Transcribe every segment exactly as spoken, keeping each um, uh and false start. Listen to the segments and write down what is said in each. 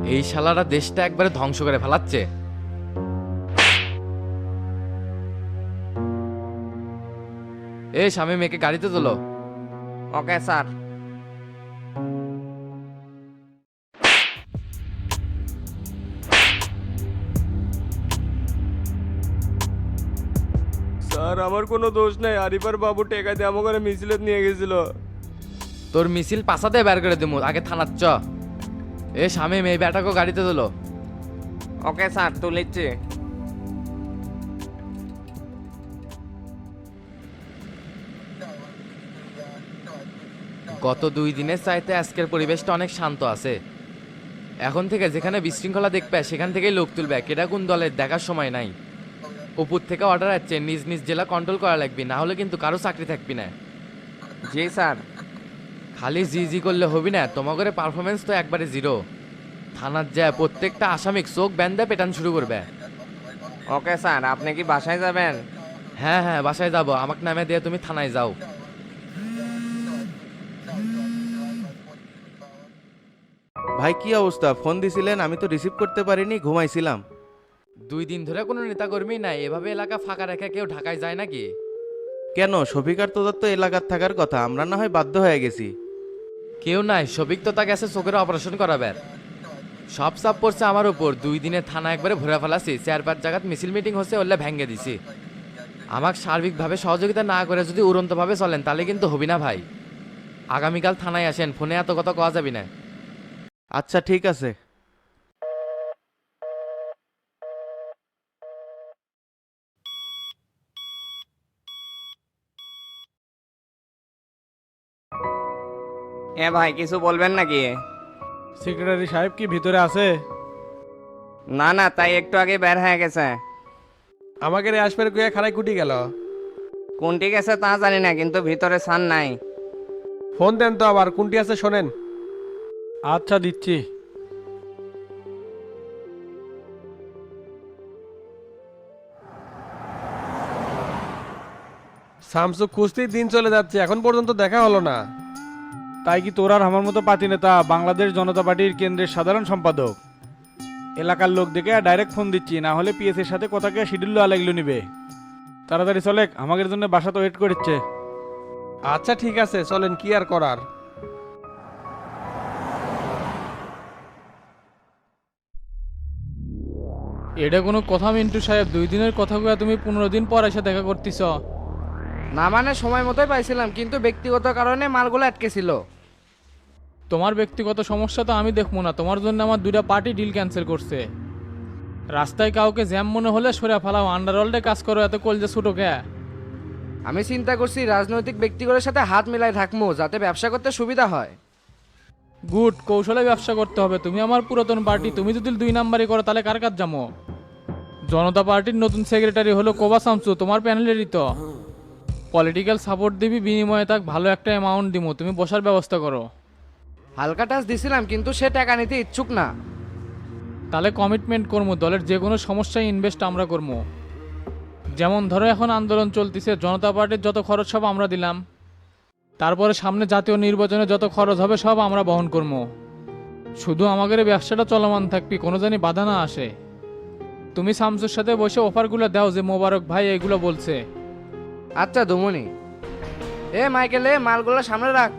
এই শালারা দেশটা একবারে ধ্বংস করে ফেলাচ্ছে। এই স্বামী মেয়েকে গাড়িতে তোলো। Okay sir. স্যার আমার কোনো দোষ নাই, আরিফার বাবু টেকা দিয়ে আমাকে মিছিলত নিয়ে গেছিল। তোর মিছিল পাশাতে বের করে দিমু, আগে থানার চ। এ স্বামী মেয়ে বেটাকে গাড়িতে তোলো। ওকে স্যার, তুলিচ্ছি। গত দুই দিনের চাইতে আজকের পরিবেশটা অনেক শান্ত আছে। এখন থেকে যেখানে বিশৃঙ্খলা দেখবে সেখান থেকেই লোক তুলবে, কেটা কোন দলের দেখার সময় নাই। উপর থেকে অর্ডার আসছে, নিজ নিজ জেলা কন্ট্রোল করা লাগবে, না হলে কিন্তু কারো চাকরি থাকবি না। জি স্যার। খালি জি জি করলে হবি না, তোমাদের পারফরমেন্স তো একবারে জিরো। থানার যায় প্রত্যেকটা আসামিক চোখ ব্যান্ডে পেটান শুরু করবে। ওকে স্যার, আপনি কি বাসায় যাবেন? হ্যাঁ হ্যাঁ, বাসায় যাবো, আমাকে নামে দিয়ে তুমি থানায় যাও। ভাই কি অবস্থা? ফোন দিছিলেন, আমি তো রিসিভ করতে পারিনি, ঘুমাইছিলাম। দুই দিন ধরে কোনো নেতাকর্মী নাই, এভাবে এলাকা ফাঁকা রেখে কেউ ঢাকায় যায় নাকি? কেন, শফিকার তোদের তো এলাকার থাকার কথা, আমরা না হয় বাধ্য হয়ে গেছি। কেউ নাই, সবিক তো তা গেছে চোখের অপারেশন করাবার। সব চাপ পড়ছে আমার উপর, দুই দিনে থানা একবারে ভরে ফেলাছি, চার পাঁচ জায়গাত মিছিল মিটিং হচ্ছে, ওলে ভেঙে দিছি। আমাকে সার্বিকভাবে সহযোগিতা না করে যদি উড়ন্তভাবে চলেন তাহলে কিন্তু হবি না ভাই। আগামীকাল থানায় আসেন, ফোনে এত কথা কওয়া যাবি না। আচ্ছা ঠিক আছে। এ ভাই, কিছু বলবেন নাকি? সেক্রেটারি সাহেব কি ভিতরে আছে? না না, তাই একটু আগে বের হয়ে গেছে। আমাকে রে আসবে কুয়া খারাই কুটি গেল। কোনটি গেছে তা জানি না, কিন্তু ভিতরে সান নাই। ফোন দেন তো আবার, কোনটি আছে শোনেন। আচ্ছা দিচ্ছি। শামসু কুস্তির দিন চলে যাচ্ছে, এখন পর্যন্ত দেখা হলো না। তাই কি তোর আর আমার মতো পাতি নেতা, বাংলাদেশ জনতা পার্টির কেন্দ্রের সাধারণ সম্পাদক? এলাকার লোক দেখে ডাইরেক্ট ফোন দিচ্ছি, না হলে পিএসের সাথে কথাকে শিডিউল আলাইগুলো নিবে। তাড়াতাড়ি চলে, আমাদের জন্য বাসা তো ওয়েট করছে। আচ্ছা ঠিক আছে, চলেন, কি আর করার। এটা কোনো কথা মিন্টু সাহেব? দুই দিনের কথা কয়ে তুমি পনেরো দিন পর এসে দেখা করতেছ। না মানে সময় মতোই পাইছিলাম, কিন্তু ব্যক্তিগত কারণে মালগুলো আটকে ছিল। তোমার ব্যক্তিগত সমস্যা তো আমি দেখবো না, তোমার জন্য আমার দুইটা পার্টি ডিল ক্যান্সেল করছে। রাস্তায় কাউকে জ্যাম মনে হলে সরে ফেলাও, আন্ডারওয়ার্ল্ডে কাজ করো, এত কলজে ছোটো কে? আমি চিন্তা করছি রাজনৈতিক ব্যক্তিগতের সাথে হাত মিলাই থাকবো, যাতে ব্যবসা করতে সুবিধা হয়। গুড, কৌশলে ব্যবসা করতে হবে। তুমি আমার পুরাতন পার্টি, তুমি যদি দুই নাম্বারই করো তাহলে কার কাজ যাবো? জনতা পার্টির নতুন সেক্রেটারি হলো কোবা শামসু, তোমার প্যানেলেরই তো। পলিটিক্যাল সাপোর্ট দিবি, বিনিময়ে তাক ভালো একটা অ্যামাউন্ট দিব, তুমি বসার ব্যবস্থা করো। হালকা টাচ দিছিলাম, কিন্তু সে টাকা নিতে ইচ্ছুক না। তাহলে কমিটমেন্ট করবো, দলের যে কোনো সমস্যায় ইনভেস্ট আমরা করবো। যেমন ধরো এখন আন্দোলন চলতেছে, জনতা পার্টির যত খরচ সব আমরা দিলাম। তারপরে সামনে জাতীয় নির্বাচনে যত খরচ হবে সব আমরা বহন করবো। শুধু আমাদের এই ব্যবসাটা চলমান থাকবি, কোনো জানি বাধা না আসে। তুমি শামসুর সাথে বসে অফারগুলো দাও, যে মোবারক ভাই এগুলো বলছে। আচ্ছা দুমনি। এ মাইকেল, এ মালগুলো সামনে রাখ।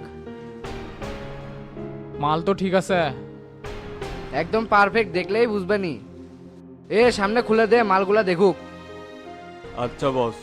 মাল তো ঠিক আছে। একদম পারফেক্ট, দেখলেই বুঝবেনি। এ সামনে খুলে দে, মালগুলা দেখুক। আচ্ছা বস।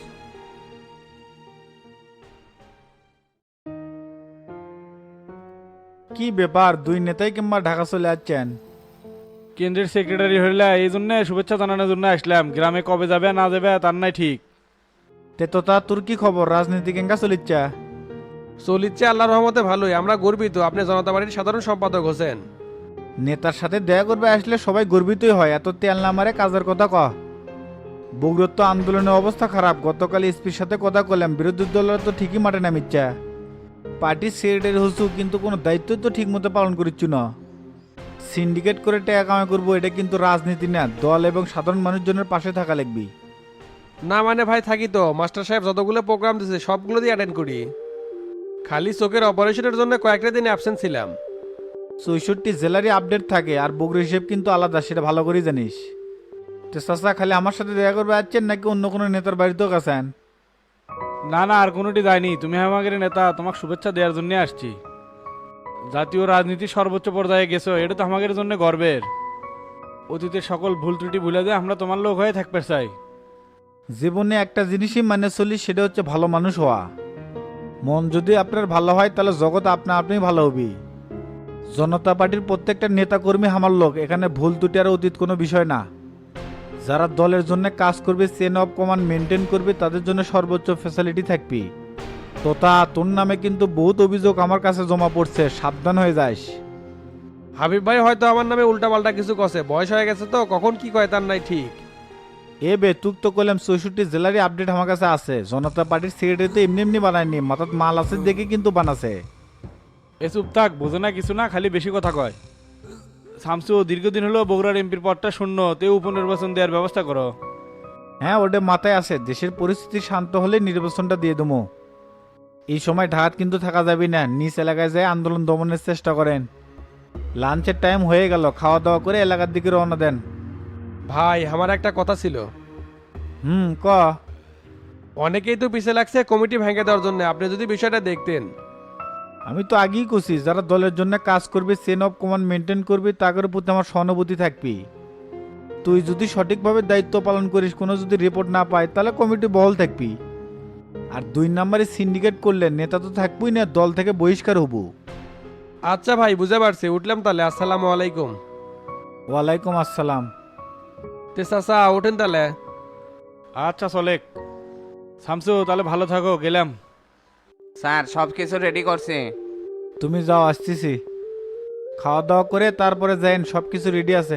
কি ব্যাপার, দুই নেতাই কিংবা ঢাকা চলে যাচ্ছেন? কেন্দ্রের সেক্রেটারি হইলে এই জন্য শুভেচ্ছা জানানোর জন্য আসলাম। গ্রামে কবে যাবে না যাবে তার নাই ঠিক। তে তো তা তোর কি খবর, রাজনীতি কেঙ্গা চলিচ্ছা? চলিচ্ছে আল্লাহর রহমতে ভালোই, আমরা গর্বিত আপনি জনতা পার্টির সাধারণ সম্পাদক হোসেন। নেতার সাথে দেখা করবে আসলে সবাই গর্বিতই হয়, এত তেল না মারে কাজের কথা ক। বগুড়ার তো আন্দোলনের অবস্থা খারাপ, গতকাল এসপির সাথে কথা কলাম, বিরোধী দলের তো ঠিকই মাঠে নামিচ্ছা। পার্টির সেক্রেটারি হচ্ছু, কিন্তু কোনো দায়িত্ব তো ঠিক মতো পালন করিচ্ছু না। সিন্ডিকেট করে টাকা কামাই করবো, এটা কিন্তু রাজনীতি না, দল এবং সাধারণ মানুষজনের পাশে থাকা লাগবি। না মানে ভাই থাকি তো, মাস্টার সাহেব যতগুলো প্রোগ্রাম দিয়েছে সবগুলো দিয়ে অ্যাটেন্ড করি। খালি চোখের অপারেশনের জন্য কয়েকটা দিন অ্যাবসেন্ট ছিলাম। চৌষট্টি জেলারই আপডেট থাকে আর বগুড়া হিসেব কিন্তু আলাদা, সেটা ভালো করে জানিস। তো চাচা খালি আমার সাথে দেখা করবে আসছেন নাকি অন্য কোনো নেতার বাড়িতেও গেছেন? না না, আর কোনোটি যায়নি। তুমি আমাদের নেতা, তোমাকে শুভেচ্ছা দেওয়ার জন্য আসছি। জাতীয় রাজনীতির সর্বোচ্চ পর্যায়ে গেছো, এটা তো আমাদের জন্য গর্বের। অতীতের সকল ভুল ত্রুটি ভুলে যায় আমরা তোমার লোক হয়ে থাকতে চাই। জীবনে একটা জিনিসই মানে চলি, সেটা হচ্ছে ভালো মানুষ হওয়া। মন যদি আপনার ভালো হয় তাহলে জগৎ আপনা আপনি ভালো হবি। জনতা পার্টির প্রত্যেকটা নেতাকর্মী আমার লোক, এখানে ভুল ত্রুটি আর অতীত কোনো বিষয় না। যারা দলের জন্য কাজ করবে, চেন অফ কমান্ড মেনটেন করবে, তাদের জন্য সর্বোচ্চ ফ্যাসিলিটি থাকবি। তোতা তোর নামে কিন্তু বহুত অভিযোগ আমার কাছে জমা পড়ছে, সাবধান হয়ে যাস। হাবিব ভাই হয়তো আমার নামে উল্টাপাল্টা কিছু কছে, বয়স হয়ে গেছে তো কখন কি কয় তার নাই ঠিক। এ বে তুক তো করলাম চৌষট্টি জেলারই আপডেট আমার কাছে আছে। জনতা পার্টির সেক্রেটারি তো এমনি এমনি বানায়নি, মাথাত মাল আছে দেখে কিন্তু বানাছে। এ চুপ থাক, বোঝে না কিছু না, খালি বেশি কথা কয়। শামসু, দীর্ঘদিন হলো বগুড়ার এমপির পদটা শূন্য, তে উপনির্বাচন দেওয়ার ব্যবস্থা করো। হ্যাঁ ওটা মাথায় আছে, দেশের পরিস্থিতি শান্ত হলে নির্বাচনটা দিয়ে দেবো। এই সময় ঢাকাত কিন্তু থাকা যাবে না, নিজ এলাকায় যায় আন্দোলন দমনের চেষ্টা করেন। লাঞ্চের টাইম হয়ে গেল, খাওয়া দাওয়া করে এলাকার দিকে রওনা দেন। ভাই আমার একটা কথা ছিল। হুম ক। অনেকেই তো পিছে লাগছে কমিটি ভেঙে দেওয়ার জন্য, আপনি যদি বিষয়টা দেখতেন। আমি তো আগেই কছি, যারা দলের জন্য কাজ করবে, চেন অফ কমান্ড মেনটেন করবে, তাদের প্রতি আমার সহানুভূতি থাকবি। তুই যদি সঠিকভাবে দায়িত্ব পালন করিস, কোনো যদি রিপোর্ট না পায় তাহলে কমিটি বহাল থাকবি। আর দুই নম্বরে সিন্ডিকেট করলে নেতা তো থাকবই না, দল থেকে বহিষ্কার হব। আচ্ছা ভাই, বুঝতে পারছি, উঠলাম তাহলে। আসসালামু আলাইকুম। ওয়ালাইকুম আসসালাম। তে চাচা ওঠেন তাহলে। আচ্ছা চলেক। শামসু, তাহলে ভালো থাকো, গেলাম। স্যার সব কিছু রেডি করছে। তুমি যাও, আসতেছি। খাওয়া দাওয়া করে তারপরে যাইন, সব কিছু রেডি আছে।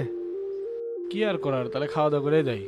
কি আর করার, তাহলে খাওয়া দাওয়া করে যাই।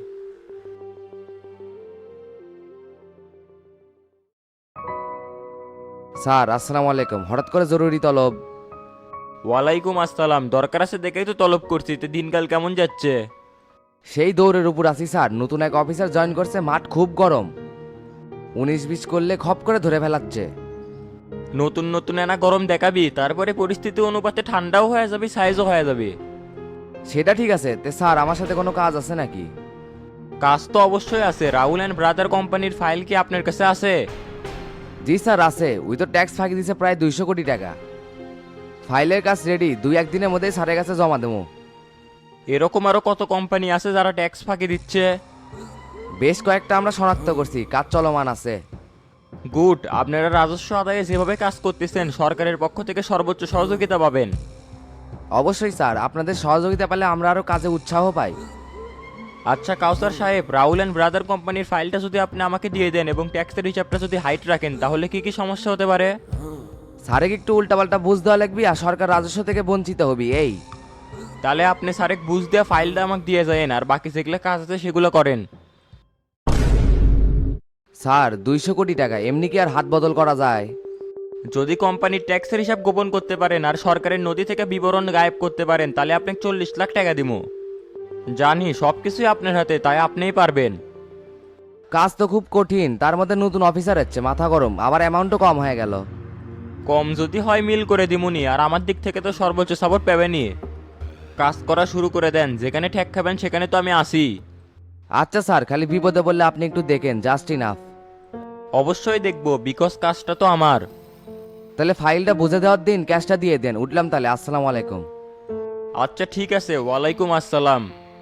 স্যার আসসালামু আলাইকুম, হঠাৎ করে জরুরি তলব? ওয়ালাইকুম আসসালাম। দরকার আছে দেখেই তো তলব করছি। তো দিনকাল কেমন যাচ্ছে? সেই দৌড়ের উপর আছি স্যার। নতুন এক অফিসার জয়েন করছে, মাঠ খুব গরম। উনিশ বিশ করলে খপ করে ধরে ফেলাচ্ছে। নতুন নতুন এনা গরম দেখাবি, তারপরে পরিস্থিতি অনুপাতে ঠান্ডাও হয়ে যাবে, সাইজও হয়ে যাবে। সেটা ঠিক আছে, তে স্যার আমার সাথে কোনো কাজ আছে নাকি? কাজ তো অবশ্যই আছে। রাহুল অ্যান্ড ব্রাদার কোম্পানির ফাইল কি আপনার কাছে আছে? জি স্যার আছে, ওই তো ট্যাক্স ফাঁকি দিছে প্রায় দুইশো কোটি টাকা। ফাইলের কাজ রেডি, দুই একদিনের মধ্যেই স্যারের কাছে জমা দেবো। এরকম আরো কত কোম্পানি আছে যারা ট্যাক্স ফাঁকি দিচ্ছে? বেশ কয়েকটা আমরা শনাক্ত করছি, কাজ চলমান আছে। গুড। আপনারা রাজস্ব আদায়ে যেভাবে কাজ করতেছেন, সরকারের পক্ষ থেকে সর্বোচ্চ সহযোগিতা পাবেন। অবশ্যই স্যার, আপনাদের সহযোগিতা পেলে আমরা আরও কাজে উৎসাহ পাই। আচ্ছা কাউসার সাহেব, রাহুল অ্যান্ড ব্রাদার কোম্পানির ফাইলটা যদি আপনি আমাকে দিয়ে দেন এবং ট্যাক্সের হিসাবটা যদি হাইট রাখেন, তাহলে কি কি সমস্যা হতে পারে? স্যারেকে একটু উল্টাপাল্টা বুঝ দেওয়া লাগবে আর সরকার রাজস্ব থেকে বঞ্চিত হবি এই। তাহলে আপনি স্যারেক বুঝ দেওয়া ফাইলটা আমাকে দিয়ে যায়েন, আর বাকি যেগুলো কাজ আছে সেগুলো করেন। স্যার দুইশো কোটি টাকা এমনি কি আর হাত বদল করা যায়? যদি কোম্পানির ট্যাক্সের হিসাব গোপন করতে পারেন আর সরকারের নথি থেকে বিবরণ গায়েব করতে পারেন, তাহলে আপনি চল্লিশ লাখ টাকা দিব। জানি সব কিছুই আপনার হাতে, তাই আপনিই পারবেন। কাজ তো খুব কঠিন, তার মধ্যে নতুন অফিসার হচ্ছে, মাথা গরম, আবার অ্যামাউন্টও কম হয়ে গেল। কম যদি হয় মিল করে দিমুনি, আর আমার দিক থেকে তো সর্বোচ্চ সাপোর্ট পাবেনি। কাজ করা শুরু করে দেন, যেখানে ঠেক খাবেন সেখানে তো আমি আসি। আচ্ছা স্যার, খালি বিপদে বললে আপনি একটু দেখেন, জাস্ট ইনাফ। অবশ্যই দেখবো, বিকজ কাজটা তো আমার। তাহলে ফাইলটা বুঝে দেওয়ার দিন ক্যাশটা দিয়ে দেন। উঠলাম তাহলে, আসসালামু আলাইকুম। আচ্ছা ঠিক আছে, ওয়ালাইকুম আসসালাম।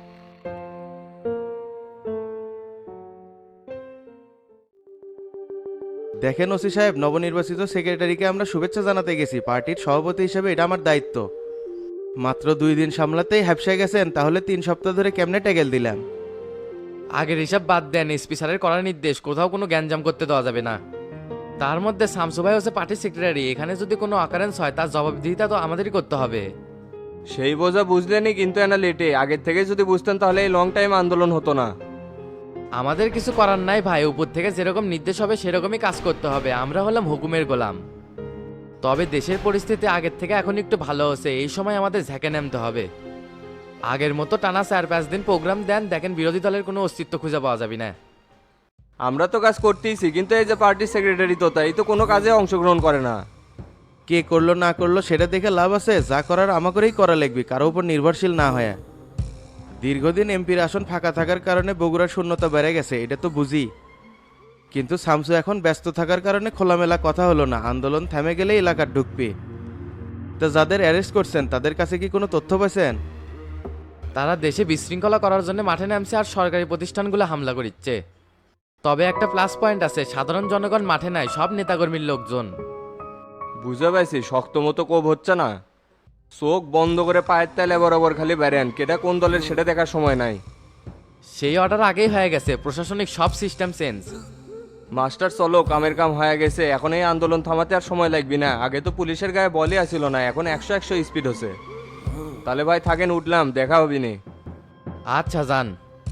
দেখেন ওসি সাহেব, নবনির্বাচিত সেক্রেটারিকে আমরা শুভেচ্ছা জানাতে গেছি। পার্টির সভাপতি হিসেবে এটা আমার দায়িত্ব। মাত্র দুই দিন সামলাতেই হ্যাপসা গেছেন, তাহলে তিন সপ্তাহ ধরে কেমনে ট্যাগেল দিলাম? আগের হিসাব বাদ দেন, এসপি স্যারের করার নির্দেশ, কোথাও কোনো গ্যাঞ্জাম করতে দেওয়া যাবে না। তার মধ্যে শামসু ভাই হচ্ছে পার্টির সেক্রেটারি, এখানে যদি কোনো অকারেন্স হয় তার জবাবদিহিতা তো আমাদেরই করতে হবে। সেই বোঝা বুঝলেনি কিন্তু এনা লেটে, আগের থেকে যদি বুঝতেন তাহলে এই লং টাইম আন্দোলন হতো না। আমাদের কিছু করার নাই ভাই, উপর থেকে যেরকম নির্দেশ হবে সেরকমই কাজ করতে হবে। আমরা হলাম হুকুমের গোলাম। তবে দেশের পরিস্থিতি আগের থেকে এখন একটু ভালো হচ্ছে, এই সময় আমাদের ঝেঁকে নামতে হবে। আগের মতো টানা চার পাঁচ দিন প্রোগ্রাম দেন, দেখেন বিরোধী দলের কোনো অস্তিত্ব খুঁজে পাওয়া যাবে না। আমরা তো কাজ করতেইছি, কিন্তু এই যে পার্টির সেক্রেটারি তো তাই তো কোনো কাজে অংশগ্রহণ করে না। কে করলো না করলো সেটা দেখে লাভ আছে? যা করার আমাকেই করা লাগবে, কারো উপর নির্ভরশীল না হয়ে। দীর্ঘদিন এমপির আসন ফাঁকা থাকার কারণে বগুড়ার শূন্যতা বেড়ে গেছে, এটা তো বুঝি। কিন্তু শামসু এখন ব্যস্ত থাকার কারণে খোলামেলা কথা হলো না, আন্দোলন থেমে গেলে এলাকার ঢুকবে। তো যাদের অ্যারেস্ট করছেন তাদের কাছে কি কোনো তথ্য পাইছেন? তারা দেশে বিশৃঙ্খলা করার জন্য মাঠে নামছে আর সরকারি প্রতিষ্ঠানগুলো হামলা করিচ্ছে। তবে একটা প্লাস পয়েন্ট আছে, সাধারণ জনগণ মাঠে নাই, সব নেতাকর্মীর লোকজন। বুঝে পাইছি, শক্ত মতো কোপ হচ্ছে না। চোখ বন্ধ করে পায়ের তেলে বরাবর খালি বেরেন, কেটা কোন দলের সেটা দেখার সময় নাই। সেই অর্ডার আগেই হয়ে গেছে, প্রশাসনিক সব সিস্টেম চেঞ্জ। মাস্টার চলো, কামের কাম হয়ে গেছে, এখন এই আন্দোলন থামাতে আর সময় লাগবে না। আগে তো পুলিশের গায়ে বলই আসিল না, এখন একশো একশো স্পিড হচ্ছে। তাহলে ভাই থাকেন, উঠলাম, দেখা হবি নি। আচ্ছা যান।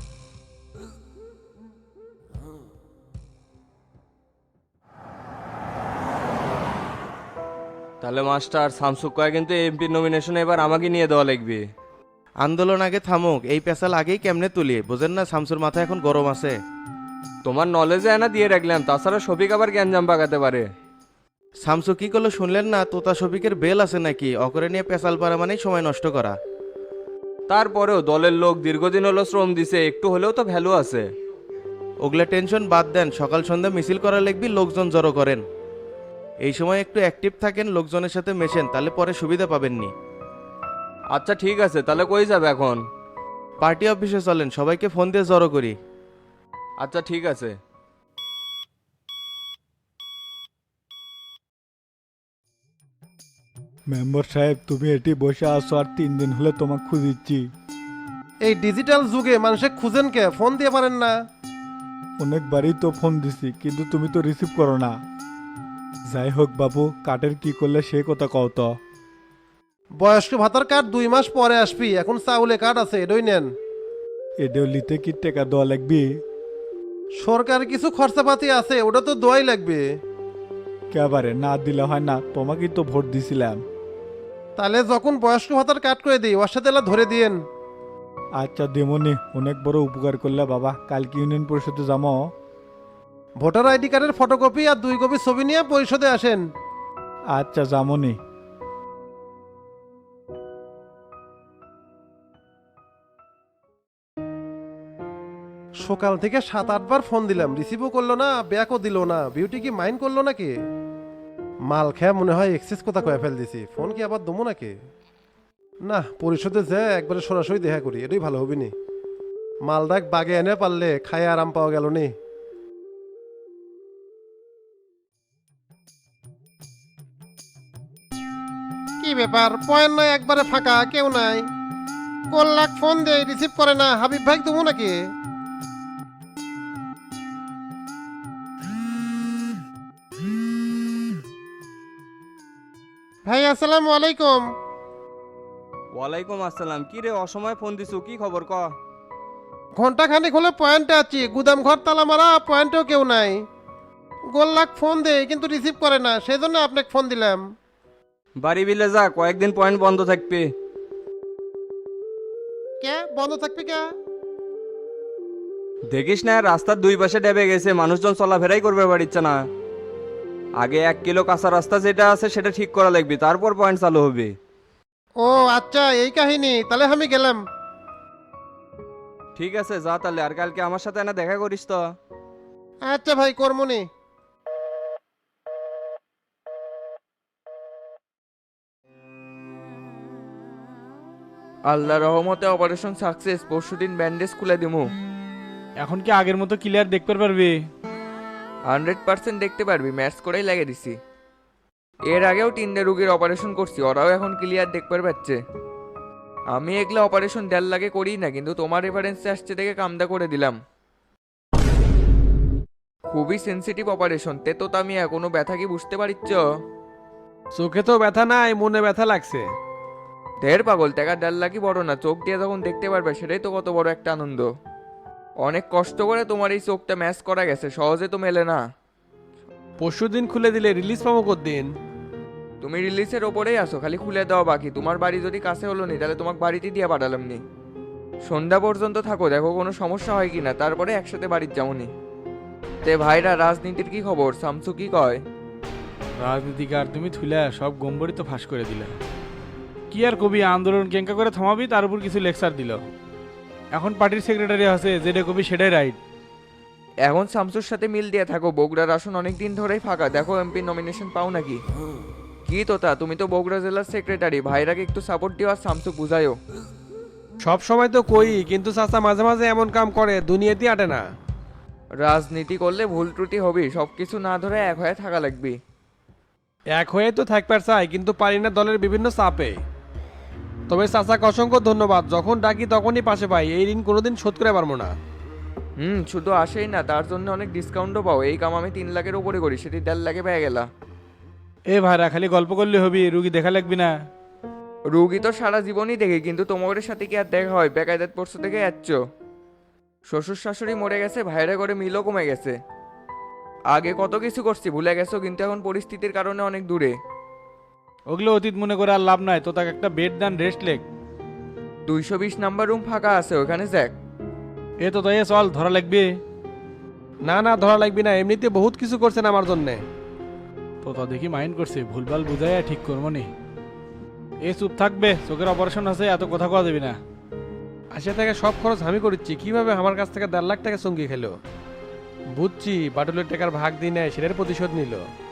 তাহলে মাস্টার শামসুক কয় কিন্তু এমপি নমিনেশন এবার আমাকে নিয়ে দেওয়া লাগবে। আন্দোলন আগে থামুক, এই পেশাল আগেই কেমনে তুলি বোঝেন না? শামসুর মাথা এখন গরম আছে। তোমার নলেজে এনা দিয়ে রাখলাম, তাছাড়া শফিক আবার জ্ঞানজাম পাকাতে পারে। শামসু কি করলো শুনলেন না? তোতা শফিকের বেল আছে নাকি? অকরে নিয়ে পেশাল পারা মানেই সময় নষ্ট করা। তারপরেও দলের লোক দীর্ঘদিন হলো শ্রম দিছে, একটু হলেও তো ভ্যালু আছে। ওগুলা টেনশন বাদ দেন, সকাল সন্ধ্যা মিছিল করা লাগবি, লোকজন জড়ো করেন। এই সময় একটু অ্যাক্টিভ থাকেন, লোকজনের সাথে মেশেন, তাহলে পরে সুবিধা পাবেননি। আচ্ছা ঠিক আছে, তাহলে কই যাবে এখন? পার্টি অফিসে চলেন, সবাইকে ফোন দিয়ে জড়ো করি। আচ্ছা ঠিক আছে। মেম্বার সাহেব, তুমি এটি বসে আসো, আর তিন দিন হলে তোমাকে খুঁজিচ্ছি। এই ডিজিটাল যুগে মানুষে খুঁজেন কে? ফোন দিয়ে পারেন না? অনেকবারই তো ফোন দিছি, কিন্তু তুমি তো রিসিভ করো না। যাই হোক বাবু, কার্ডের কি করলে সে কথা কও তো। বয়স্ক ভাতার কার্ড দুই মাস পরে আসবি, এখন চাউলে কার্ড আছে, এডই নেন। এডেও লিতে কি টাকা দেওয়া লাগবে? সরকার কিছু খরচাপাতি আছে, ওটা তো দোয়াই লাগবে। কেবারে না দিলে হয় না, তোমাকেই তো ভোট দিছিলাম। তাহলে যখন বয়স্ক ভাতার কার্ড করে দিই, ওর সাথে এলা ধরে দিয়েন। আচ্ছা দেমনি, অনেক বড় উপকার করলে বাবা। কালকে ইউনিয়ন পরিষদে যাবো। ভোটার আইডি কার্ডের ফটোকপি আর দুই কপি ছবি নিয়ে পরিষদে আসেন। আচ্ছা যামনি। সকাল থেকে সাত আটবার ফোন দিলাম, রিসিভও করলো না, ব্যাকও দিল না। বিউটি কি মাইন্ড করলো নাকি? মাল খেয়ে মনে হয় এক্সেস কথা কয়ে ফেল দিছি। ফোন কি আবার দমো নাকি? না, পরিষদে যে একবারে সরাসরি দেখা করি, এটাই ভালো হবে নি। মালদাক বাগে এনে পারলে খায় আরাম পাওয়া গেল নি। কি ব্যাপার, পয়েন্ট নাই, একবারে ফাঁকা, কেউ নাই। কল লাখ ফোন দেয়, রিসিভ করে না। হাবিব ভাই তুমি নাকি? ভাই আসসালামু আলাইকুম। ওয়ালাইকুম আসসালাম। কি রে অসময়ে ফোন দিছু, কি খবর ক? ঘন্টা খানিক হলে পয়েন্টে আছি, গুদাম ঘর তালা মারা, পয়েন্টেও কেউ নাই। গোল লাখ ফোন দেয় কিন্তু রিসিভ করে না, সেই জন্য আপনাকে ফোন দিলাম। বাড়ি বিলে যা, কয়েকদিন পয়েন্ট বন্ধ থাকবে। কে বন্ধ থাকবে কে? দেখিস না রাস্তার দুই পাশে ডেবে গেছে, মানুষজন চলাফেরাই করবে পারিচ্ছে না। আগে এক কিলো কাঁচা রাস্তা যেটা আছে সেটা ঠিক করা লাগবে, তারপর পয়েন্ট চালু হবে। ও আচ্ছা, এই কাহিনী, তাহলে আমি গেলাম। ঠিক আছে যা তাহলে, আর কালকে আমার সাথে না দেখা করিস তো। আচ্ছা ভাই, কর্মনি। আল্লাহ রহমতে অপারেশন সাকসেস, পরশুদিন ব্যান্ডেজ খুলে দিমু। এখন কি আগের মতো ক্লিয়ার দেখতে পারবি? হান্ড্রেড পার্সেন্ট দেখতে পারবি, ম্যাচ করেই লাগিয়ে দিছি। এর আগেও তিনটে রুগীর অপারেশন করছি, ওরাও এখন ক্লিয়ার দেখতে পাচ্ছে। আমি এগুলো অপারেশন দেড় লাগে করি না, কিন্তু তোমার রেফারেন্সে আসছে দেখে কামদা করে দিলাম। খুবই সেন্সিটিভ অপারেশন, তে তো আমি এখনো ব্যথা কি বুঝতে পারিচ্ছ? চোখে তো ব্যথা নাই, মনে ব্যথা লাগছে। ঢের পাগল, টাকা দেড় লাখই বড় না, চোখ দিয়ে যখন দেখতে পারবে সেটাই তো কত বড় একটা আনন্দ। অনেক কষ্ট করে তোমার এই চোখটা ম্যাচ করা গেছে, সহজে তো মেলে না। পরশু দিন খুলে দিলে রিলিজ পাবো কতদিন? তুমি রিলিজের ওপরেই আসো, খালি খুলে দেওয়া বাকি। তোমার বাড়ি যদি কাছে হলো নি, তাহলে তোমাকে বাড়িতে দিয়ে পাঠালাম নি। সন্ধ্যা পর্যন্ত থাকো, দেখো কোনো সমস্যা হয় কিনা, তারপরে একসাথে বাড়ির যাবনি। তে ভাইরা, রাজনীতির কি খবর? শামসু কি কয়? রাজনীতিকার তুমি থুইলা সব গম্বরই তো ফাঁস করে দিলা কি আর কবি আন্দোলন কেঙ্কা করে থামাবি তার উপর কিছু লেকচার দিল এখন পার্টির সেক্রেটারি আছে যেটা কবি সেটাই রাইট। এখন শামসুর সাথে মিল দিয়ে থাকো, বগুড়ার আসন অনেক দিন ধরেই ফাঁকা, দেখো এমপি নমিনেশন পাও নাকি। কি তোতা, তুমি তো বগুড়া জেলার সেক্রেটারি, ভাইরাকে একটু সাপোর্ট দিও আর শামসু বুঝাইও। সব সময় তো কই, কিন্তু চাচা মাঝে মাঝে এমন কাম করে দুনিয়াতেই আটে না। রাজনীতি করলে ভুল ত্রুটি হবে, সব কিছু না ধরে এক হয়ে থাকা লাগবে। এক হয়ে তো থাকবার চাই, কিন্তু পারি না দলের বিভিন্ন চাপে। তবে চাচাকে অসংখ্য ধন্যবাদ, যখন ডাকি তখনই পাশে পাই, এই ঋণ কোনোদিন শোধ করে পারবো না। হুম, শুধু আসেই না, তার জন্য অনেক ডিসকাউন্টও পাও। এই কাম আমি তিন লাখের উপরে করি, সেটি দেড় লাখে পেয়ে গেলা। এ ভাইরা খালি গল্প করলে হবি, রুগী দেখা লাগবি না। রুগী তো সারা জীবনই দেখি, কিন্তু তোমাদের সাথে কি আর দেখা হয়? বেকায়দাত পড়ছো থেকে যাচ্ছ। শ্বশুর শাশুড়ি মরে গেছে, ভাইরা করে মিলও কমে গেছে। আগে কত কিছু করছি ভুলে গেছো, কিন্তু এখন পরিস্থিতির কারণে অনেক দূরে। ওগুলো অতীত মনে করে আর লাভ নাই, তো তাকে একটা বেড দান রেস্ট লেগ। দুইশো বিশ নাম্বার রুম ফাঁকা আছে, ওখানে যাক। এ তো তাই চল, ধরা লাগবে। না না, ধরা লাগবি না, এমনিতে বহুত কিছু করছেন আমার জন্যে। তো তা দেখি মাইন্ড করছে, ভুলভাল বুঝাই ঠিক করবো নি। এ চুপ থাকবে, চোখের অপারেশন আছে, এত কথা কওয়া যাবি না। আসিয়া থেকে সব খরচ আমি করেছি, কিভাবে আমার কাছ থেকে দেড় লাখ টাকা সঙ্গী খেলো। বুঝছি, বাটুলের টাকার ভাগ দিই নেয়, সেটার প্রতিশোধ নিল।